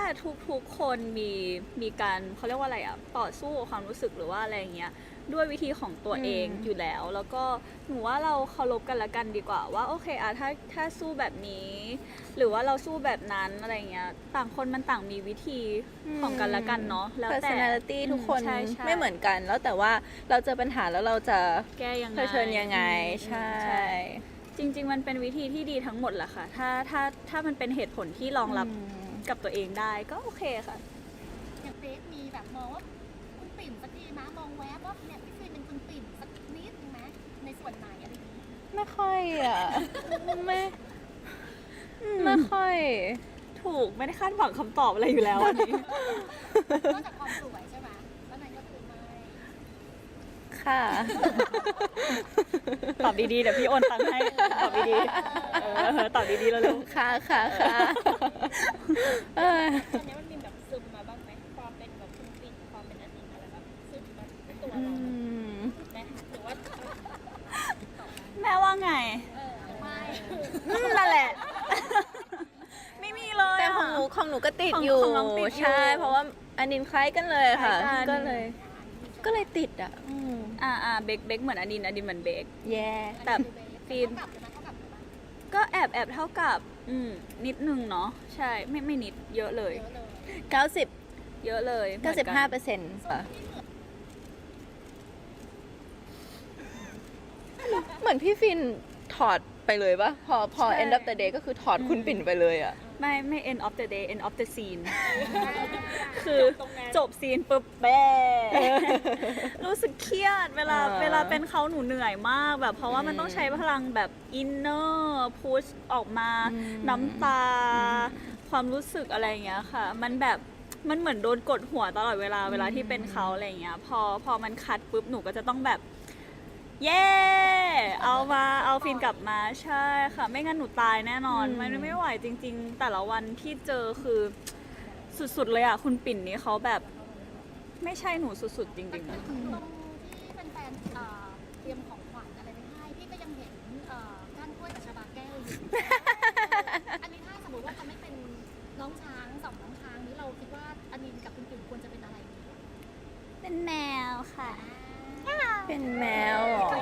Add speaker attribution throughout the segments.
Speaker 1: ทุกคนมีการเขาเรียกว่าอะไรอะต่อสู้กับความรู้สึกหรือว่าอะไรอย่างเงี้ยด้วยวิธีของตัวเองอยู่แล้วแล้วก็หนูว่าเราเคารพกันละกันดีกว่าว่าโอเคอะถ้าสู้แบบนี้ หรือว่าเราสู้แบบนั้นอะไรเงี้ยต่างคนมันต่างมีวิธีของกันละกันเนาะแล้วแต่
Speaker 2: personality ทุกคน
Speaker 1: ใช่
Speaker 2: ไม่เหมือนกันแล้วแต่ว่าเราเจอปัญหาแล้วเราจะ
Speaker 1: แก้ยังไง
Speaker 2: เผชิญยังไงใช่
Speaker 1: จริงๆมันเป็นวิธีที่ดีทั้งหมดแหละค่ะถ้ามันเป็นเหตุผลที่รองรับกับตัวเองได้ก็โอเคค่ะ
Speaker 3: อย่างเฟซมีแบบมองว่าคุณปิ่นสักทีนะมองแวบว่าเนี่ยพี่ฟิล์มเป็นคุณปิ่นสักนิดนึงไหมในส่วนไหนอะไรอย่างนี้
Speaker 2: ไม่ค่อยอ่ะ ไม่ค่อย
Speaker 1: ถูกไม่ได้คาดหวังคำตอบอะไรอยู่แล้วอันนี้
Speaker 3: นอกจากความสวยใช่ไหมแล้วนั้นก็คือไม่
Speaker 2: ค่ะ
Speaker 1: ตอบดีๆเดี๋ยวพี่โอนตังค์ให้ตอบดีๆตอบดีๆแล้วเร็ว
Speaker 2: ค่ะค่ะค่ะเออ
Speaker 3: ตอนนี้มันมีแบบซึมมาบ้างไหมความเป็นแบบคุณปิ่นความเป็นอันนี้อะไรแบบซึมมาในตัวเราไหมหรือว่า
Speaker 1: แม่ว่าไง
Speaker 3: ไม่
Speaker 1: นั่นแหละ ไม่มีเลย
Speaker 2: แต่
Speaker 1: อะ
Speaker 2: ของหนูก็ติดอยู่
Speaker 1: ของน้องติดอยู่
Speaker 2: ใช่เพราะว่าอันนินคล้ายกันเลยค่ะ
Speaker 1: คล้ายกัน
Speaker 2: ก็เลยติดอ่ะ
Speaker 1: เบคเหมือนอดินเหมือนเบค
Speaker 2: แย่
Speaker 1: แต่ฟิล์ม
Speaker 3: เท่ากับเลยนะเท่ากับเลยนะ
Speaker 1: ก็แอบเท่ากับนิดนึงเนาะใช่ไม่นิดเยอะเลย
Speaker 3: เยอะเลย
Speaker 2: 90
Speaker 1: เยอะเลยเหมือนกัน
Speaker 2: 95%ค่ะเหมือนพี่ฟินถอดไปเลยปะพอ
Speaker 1: ใช่
Speaker 2: end of the day ก็คือถอดคุณปิ่นไปเลยอ่ะ
Speaker 1: ไม่ end of the day end of the scene คือจบซีนปุ๊บแบ้ รู้สึกเครียดเวลา
Speaker 2: อ่า
Speaker 1: เวลาเป็นเขาหนูเหนื่อยมากแบบเพราะว่ามันต้องใช้พลังแบบอินเนอร์พุชออกมาน้ำตา ความรู้สึกอะไรอย่างเงี้ยค่ะ มันแบบมันเหมือนโดนกดหัวตลอดเวลาที่เป็นเขาอะไรอย่างเงี้ยพอมันคัดปุ๊บหนูก็จะต้องแบบ เย้เอาฟินกลับมาใช่ค่ะ ไม่งั้นหนูตายแน่นอนมันไม่ไหวจริง ๆ แต่ละวันที่เจอคือสุดๆเลยอ่ะคุณปิ่นนี้เขาแบบ ไม่ใช่หนูสุดๆจริงๆ
Speaker 3: ตรงที่แฟนๆเตรียมของขวัญอะไรไปให้พี่ก็ยังเห็นก้านกล้วยกับชาบาแก้วอยู่ อันนี้ถ้าสมมติว่าจะไม่เป็นน้องช้างสองน้องช้างนี้เราคิดว่าอันนี้กับคุณปิ่นควรจะเป็นอะไรดี
Speaker 1: เป็นแมวค่ะ
Speaker 2: เป็นแมวเหรอ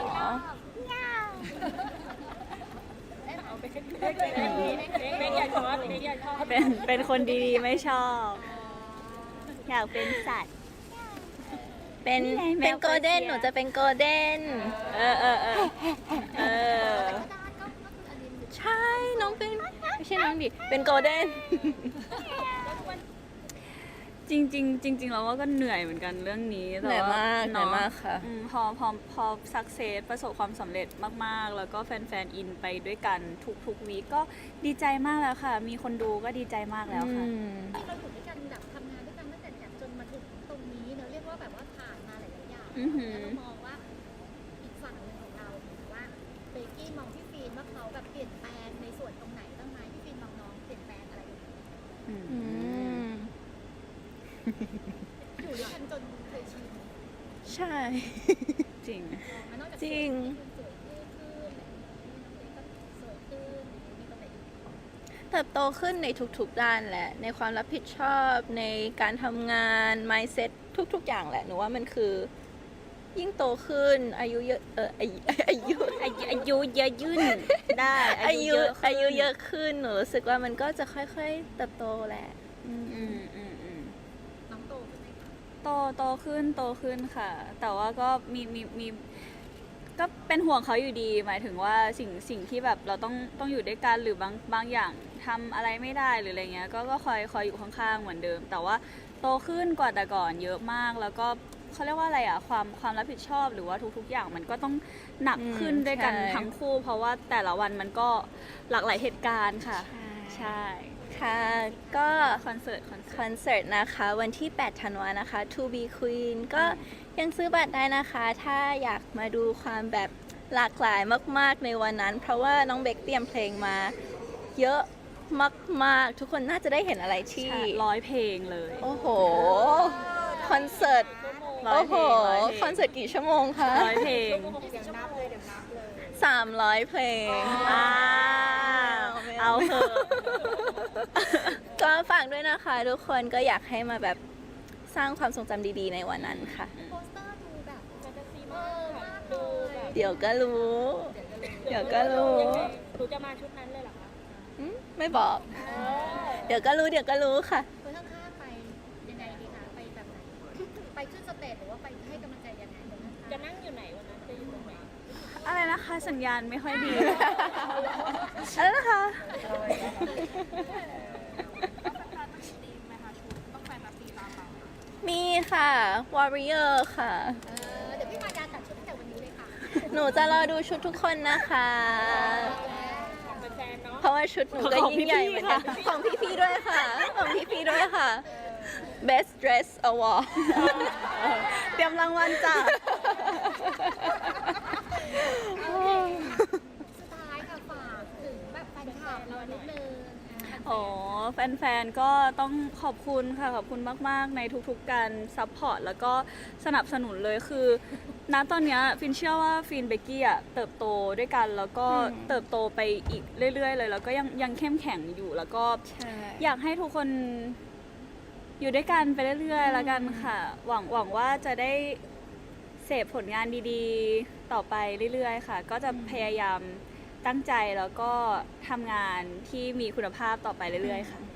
Speaker 1: เป็นคนดีๆไม่ชอบ อยากเป็นสัตว์
Speaker 2: เป็น
Speaker 1: นี่ไงแมว
Speaker 2: โกลเด้น
Speaker 1: เปอร์เซีย
Speaker 2: หนูจะเป็นโกลเด้น
Speaker 1: เออ
Speaker 3: ก็ได้ก็คืออันนี้อยู่
Speaker 2: ใช่ น้องเป็น ไม่ใช่น้องดิ เป็นโกลเด้น
Speaker 1: จริงเราว่าก็เหนื่อยเหมือนกันเรื่องนี้แต่
Speaker 2: เหนื่อย
Speaker 1: ว่าม
Speaker 2: ากเหนื่อยมากค่ะ
Speaker 1: พอสักเซสประสบความสำเร็จมากๆ แล้วก็แฟนๆอินไปด้วยกันทุกวีคก็ดีใจมากแล้วค่ะ มีคนดูก็ดีใจมากแล้วค่ะ
Speaker 3: ที่เราอยู่ด้วยกันแบบทำงานด้วยกันตั้งแต่แบบจนมาถึงตรงนี้เนอะเรียกว่าแบบว่าผ่านมาหลายๆอย่าง
Speaker 1: อือหือ
Speaker 3: แล้วเรามองว่าอีกฝั่งหนึ่งของเราว่าเบกกี้มองพี่ฟีนว่าเขาแบบเปลี่ยนแปลงในส่วนตรงไหนบ้างไหมพี่ฟีนมองน้องเปลี่ยนแปลงอะไรอยู่
Speaker 1: อืม
Speaker 2: อืม
Speaker 3: อยู่ด้วยกันจนเคยชิน
Speaker 2: ใช่
Speaker 1: จริง
Speaker 3: มันนอกจาก
Speaker 2: จริง
Speaker 3: สวยขึ้นอะไรอย่างเงี้ยน้องเล็กก็สวยขึ้นมีตรงไหนอีก
Speaker 2: เติบโตขึ้นในทุกๆด้านแหละ ในความรับผิดชอบในการทำงาน mindset ทุกๆอย่างแหละ หนูว่ามันคือ ยิ่งโตขึ้น อายุเยอะอายุ
Speaker 1: อายุเยอะยื่นได้
Speaker 2: อายุ
Speaker 1: ขึ้น
Speaker 2: เยอะขึ้นหนูรู้สึกว่ามันก็จะค่อยๆเติบโตแหละ
Speaker 1: อืม
Speaker 3: น้องโตขึ้นไหมคะ
Speaker 1: โตขึ้นค่ะ แต่ว่าก็มีก็เป็นห่วงเขาอยู่ดี หมายถึงว่าสิ่งที่แบบเราต้องอยู่ด้วยกันหรือบางอย่างทำอะไรไม่ได้หรืออะไรเงี้ยก็คอยอยู่ข้างๆเหมือนเดิม แต่ว่าโตขึ้นกว่าแต่ก่อนเยอะมากแล้วก็เขาเรียกว่าอะไรอ่ะความรับผิดชอบหรือว่าทุกๆอย่างมันก็ต้องหนักขึ้นด้วยกัน
Speaker 2: ใช่
Speaker 1: ทั้งคู่ เพราะว่าแต่ละวันมันก็หลากหลายเหตุการณ์ค่ะ ใช่
Speaker 2: ค่ะ ก็
Speaker 1: คอนเสิร์ต
Speaker 2: คอนเสิร์ตนะคะวันที่ 8 ธันวานะคะ To Be Queen ก็ยังซื้อบัตรได้นะคะ ถ้าอยากมาดูความแบบหลากหลายมากๆในวันนั้น เพราะว่าน้องเบคเตรียมเพลงมา เยอะมากๆ ทุกคนน่าจะได้เห็นอะไรที่
Speaker 1: 100 เพลงเลย
Speaker 2: โอ้โห คอนเสิร์ต
Speaker 1: ร้อย
Speaker 2: โอ้โห
Speaker 1: เพลง
Speaker 2: คอนเสิร์ตกี่ชั่วโมงคะ
Speaker 1: 100 เพลง
Speaker 2: 300 เพลง
Speaker 1: อ้าว
Speaker 2: ไม่
Speaker 1: เอาเถอะ
Speaker 2: ก็ก็ฝากด้วยนะคะทุกคนก็อยากให้มาแบบสร้างความทรงจำดีๆในวันนั้นค่ะ
Speaker 3: โปสเตอร์ดูแบบแฟนตาซีมากเล
Speaker 4: ดู
Speaker 3: ย
Speaker 4: แบบ
Speaker 2: เดี๋ยวก็รู้ เดี๋ยวก็รู้
Speaker 4: หนูจะมาชุดนั้นเลยเหรอคะ
Speaker 2: ไม่บอก เดี๋ยวก็รู้เดี๋ยวก็รู้ค่ะ
Speaker 3: คนข้างๆไปยังไงดีคะไปแบบไหนไปขึ้นสเตจหรือว่าไปให้กำลังใจยังไงคนข้างๆ
Speaker 4: จะนั่งอยู่ไหนวันนั้น จะอยู่ตรงไหน
Speaker 1: อะไรนะคะ สัญญาณไม่ค่อยดี อะไรนะคะ
Speaker 2: มีค่ะ Warrior ค่ะ
Speaker 3: เดี๋ยวพี่มายาจัดชุดตั้งแต่วันนี้เลยค่ะ
Speaker 2: หนูจะรอดูชุดทุกคนนะคะ
Speaker 4: ของแฟนๆเนาะ
Speaker 2: เพราะว่าชุดหนูก็ยิ่งใหญ่เหมือนกัน ของพี่ๆด้วยค่ะ ของพี่ๆด้วยค่ะ Best Dress Award
Speaker 1: เตรียมรางวัลจ้ะ
Speaker 3: สุดท้ายค่ะฝากถึงแบบแฟนคลับเรานิดนึง
Speaker 1: อ๋อแฟนๆ ก็ต้องขอบคุณค่ะ ขอบคุณมากๆ ในทุกๆ การซัพพอร์ตแล้วก็สนับสนุนเลยคือ ณ ตอนเนี้ยฟินเชื่อว่าฟินเบกกี้อะเติบโตด้วยกัน แล้วก็เติบโตไปอีกเรื่อยๆ เลย แล้วก็ยังเข้มแข็งอยู่ แล้วก็
Speaker 2: ใช่
Speaker 1: อยากให้ทุกคนอยู่ด้วยกันไปเรื่อยๆ แล้วกันค่ะ หวังว่าจะได้เสพผลงานดีๆ ต่อไปเรื่อยๆ ค่ะ ก็จะพยายามตั้งใจแล้วก็ทำงานที่มีคุณภาพต่อไปเรื่อยๆ ค่ะ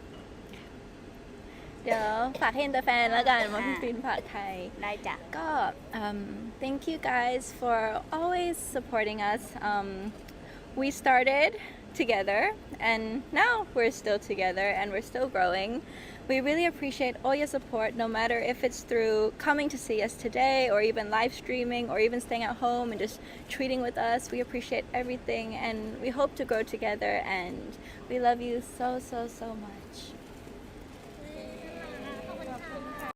Speaker 2: เดี๋ยวฝากให้อินเตอร์แฟนแล้วกันมาพี่ฟินฝากไทย
Speaker 1: ได้จ้ะ
Speaker 2: ก็ thank you guys for always supporting us. We started together and now we're still together and we're still growing. We really appreciate all your support, no matter if it's through coming to see us today or even live streaming or even staying at home and just treating with us. We appreciate everything and we hope to grow together and we love you so, so, so much.